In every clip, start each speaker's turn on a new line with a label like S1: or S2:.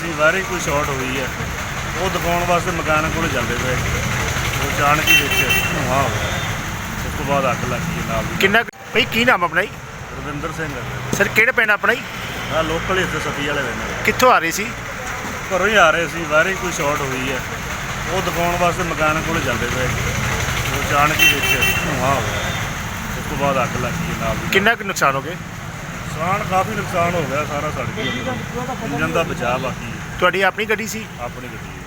S1: ਅਸੀਂ ਬਾਹਰੇ ਕੋਈ ਸ਼ਾਰਟ ਹੋਈ ਹੈ, ਉਹ ਦਿਖਾਉਣ ਵਾਸਤੇ ਮਕਾਨ ਕੋਲ ਜਾਂਦੇ ਪਏ। ਉਹ ਅਚਾਨਕ ਹੀ ਵਿੱਚ ਧੂੰਆਂ ਹੋ ਗਿਆ। ਉਸ ਤੋਂ ਬਾਅਦ ਅੱਗ ਲੱਗ ਗਈ ਨਾਲ ਦੀ।
S2: ਕਿੰਨਾ ਭਾਈ ਕੀ ਨਾਮ ਆਪਣਾ ਜੀ?
S1: ਰਵਿੰਦਰ ਸਿੰਘ ਹੈ
S2: ਸਰ ਕਿਹੜਾ ਪਿੰਡ ਆਪਣਾ ਜੀ?
S1: ਆ ਲੋਕਲ ਇੱਥੇ ਸਤੀ ਵਾਲੇ ਰਹਿੰਦੇ।
S2: ਕਿੱਥੋਂ ਆ ਰਹੇ ਸੀ?
S1: ਘਰੋਂ ਹੀ ਆ ਰਹੇ ਸੀ, ਬਾਹਰੇ ਕੋਈ ਸ਼ਾਰਟ ਹੋਈ ਹੈ, ਉਹ ਦਿਖਾਉਣ ਵਾਸਤੇ ਮਕਾਨ ਕੋਲ ਜਾਂਦੇ ਪਏ। ਉਹ ਅਚਾਨਕ ਹੀ ਵਿੱਚ ਧੂੰਆਂ ਹੋ ਗਿਆ। ਉਸ ਤੋਂ ਬਾਅਦ ਅੱਗ ਲੱਗ ਗਈ ਨਾਲ ਦੀ।
S2: ਕਿੰਨਾ ਕੁ ਨੁਕਸਾਨ ਹੋ ਗਿਆ?
S1: ਨੁਕਸਾਨ ਕਾਫੀ ਨੁਕਸਾਨ ਹੋ ਗਿਆ, ਸਾਰਾ ਸੜ ਗਿਆ। ਇੰਜਨ ਦਾ ਬਚਾਅ ਬਾਕੀ ਹੈ।
S2: ਤੁਹਾਡੀ ਆਪਣੀ ਗੱਡੀ ਸੀ?
S1: ਆਪਣੀ ਗੱਡੀ ਹੈ।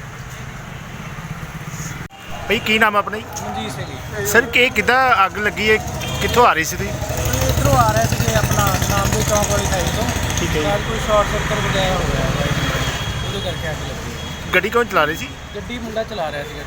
S2: ਭਾਈ ਕੀ ਨਾਮ ਆਪਣਾ ਜੀ?
S3: ਮਨਜੀਤ ਸਿੰਘ ਜੀ।
S2: ਸਰ ਕਿ ਕਿੱਦਾਂ ਅੱਗ ਲੱਗੀ ਹੈ, ਕਿੱਥੋਂ ਆ ਰਹੀ ਸੀ ਤੁਸੀਂ?
S3: ਇੱਧਰੋਂ ਆ ਰਹੇ ਸੀਗੇ ਆਪਣਾ ਨਾਮਦੇ ਚੌਂਕ ਵਾਲੀ ਸਾਈਡ ਤੋਂ।
S2: ਠੀਕ ਹੈ ਜੀ।
S3: ਸ਼ਾਇਦ ਕੋਈ ਸ਼ਾਰਟ ਸਰਕਟ ਵਗੈਰਾ ਹੋ ਗਿਆ ਬਾਈਕ ਨੂੰ, ਉਹਦੇ ਕਰਕੇ ਅੱਗ ਲੱਗੀ।
S2: ਗੱਡੀ ਕੌਣ ਚਲਾ ਰਹੀ ਸੀ?
S3: ਗੱਡੀ ਮੁੰਡਾ ਚਲਾ ਰਿਹਾ ਸੀਗਾ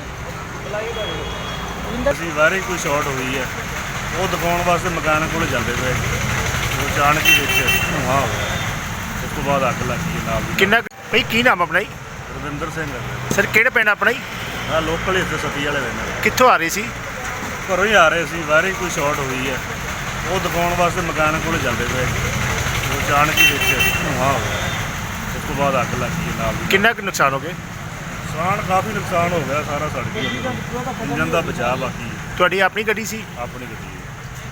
S3: ਟਰੱਕ।
S1: ਅਸੀਂ ਬਾਹਰੇ ਕੋਈ ਸ਼ਾਰਟ ਹੋਈ ਹੈ, ਉਹ ਦਿਖਾਉਣ ਵਾਸਤੇ ਮਕਾਨ ਕੋਲ ਜਾਂਦੇ ਪਏ। ਉਹ ਅਚਾਨਕ ਹੀ ਵਿੱਚ ਧੂੰਆਂ ਹੋ ਗਿਆ। ਉਸ ਤੋਂ ਬਾਅਦ ਅੱਗ ਲੱਗ ਗਈ ਨਾਲ ਦੀ।
S2: ਕਿੰਨਾ ਭਾਈ ਕੀ ਨਾਮ ਆਪਣਾ ਜੀ?
S1: ਰਵਿੰਦਰ ਸਿੰਘ ਹੈ
S2: ਸਰ ਕਿਹੜਾ ਪਿੰਡ ਆਪਣਾ ਜੀ?
S1: ਆ ਲੋਕਲ ਇੱਥੇ ਸਤੀ ਵਾਲੇ ਰਹਿੰਦੇ।
S2: ਕਿੱਥੋਂ ਆ ਰਹੇ ਸੀ?
S1: ਘਰੋਂ ਹੀ ਆ ਰਹੇ ਸੀ, ਬਾਹਰੇ ਕੋਈ ਸ਼ਾਰਟ ਹੋਈ ਹੈ, ਉਹ ਦਿਖਾਉਣ ਵਾਸਤੇ ਮਕਾਨ ਕੋਲ ਜਾਂਦੇ ਪਏ। ਉਹ ਅਚਾਨਕ ਹੀ ਵਿੱਚ ਧੂੰਆਂ ਹੋ ਗਿਆ। ਉਸ ਤੋਂ ਬਾਅਦ ਅੱਗ ਲੱਗ ਗਈ ਨਾਲ ਦੀ।
S2: ਕਿੰਨਾ ਕੁ ਨੁਕਸਾਨ ਹੋ ਗਿਆ?
S1: ਨੁਕਸਾਨ ਕਾਫੀ ਨੁਕਸਾਨ ਹੋ ਗਿਆ, ਸਾਰਾ ਸੜ ਗਿਆ। ਇੰਜਨ ਦਾ ਬਚਾਅ ਬਾਕੀ ਹੈ।
S2: ਤੁਹਾਡੀ ਆਪਣੀ ਗੱਡੀ ਸੀ?
S1: ਆਪਣੀ ਗੱਡੀ ਹੈ।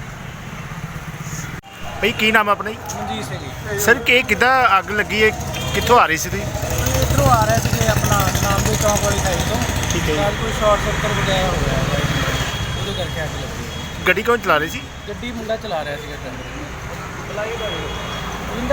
S2: ਭਾਈ ਕੀ ਨਾਮ ਆਪਣਾ ਜੀ?
S3: ਮਨਜੀਤ ਸਿੰਘ ਜੀ।
S2: ਸਰ ਕਿ ਕਿੱਦਾਂ ਅੱਗ ਲੱਗੀ ਹੈ, ਕਿੱਥੋਂ ਆ ਰਹੀ ਸੀ ਤੁਸੀਂ?
S3: ਇੱਧਰੋਂ ਆ ਰਹੇ ਸੀਗੇ ਆਪਣਾ ਨਾਮਦੇ ਚੌਂਕ ਵਾਲੀ ਸਾਈਡ ਤੋਂ।
S2: ਠੀਕ ਹੈ ਜੀ।
S3: ਸ਼ਾਇਦ ਕੋਈ ਸ਼ਾਰਟ ਸਰਕਟ ਵਗੈਰਾ ਹੋ ਗਿਆ ਬਾਈਕ ਨੂੰ, ਉਹਦੇ ਕਰਕੇ ਅੱਗ ਲੱਗੀ।
S2: ਗੱਡੀ ਕੌਣ ਚਲਾ ਰਹੀ ਸੀ?
S3: ਗੱਡੀ ਮੁੰਡਾ ਚਲਾ ਰਿਹਾ ਸੀਗਾ ਟਰੱਕ।